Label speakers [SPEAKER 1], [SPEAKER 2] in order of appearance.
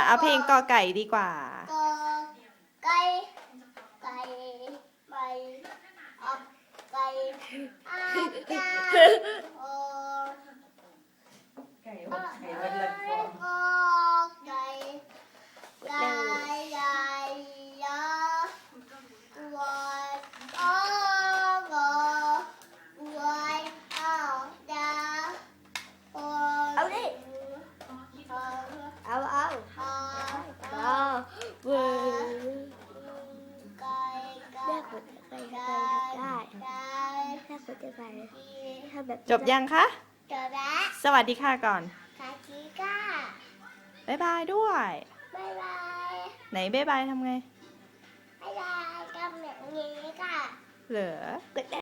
[SPEAKER 1] เอาเพลงกอไก่ดีกว่า
[SPEAKER 2] กอไก่ไก่ไปอับไก่อาจาโอ
[SPEAKER 3] ไก่อบไก่วันละฟอง
[SPEAKER 2] กอไก่ไก่ใหญ่ยาวันงอวันเอาดาเอาดิเอา
[SPEAKER 4] เวอร์แม่ขนจะไปได้แม่ขนจะไปถ้าแบบ
[SPEAKER 1] จบยังคะ
[SPEAKER 2] จบแล้ว
[SPEAKER 1] สวัสดีค่ะก่อน
[SPEAKER 2] คาชิก้า
[SPEAKER 1] บ๊ายบายด้วย
[SPEAKER 2] บ๊ายบาย
[SPEAKER 1] ไหนบ๊ายบายทำไง
[SPEAKER 2] บ๊ายบายทำแบบนี้ค่ะ
[SPEAKER 1] เหรอ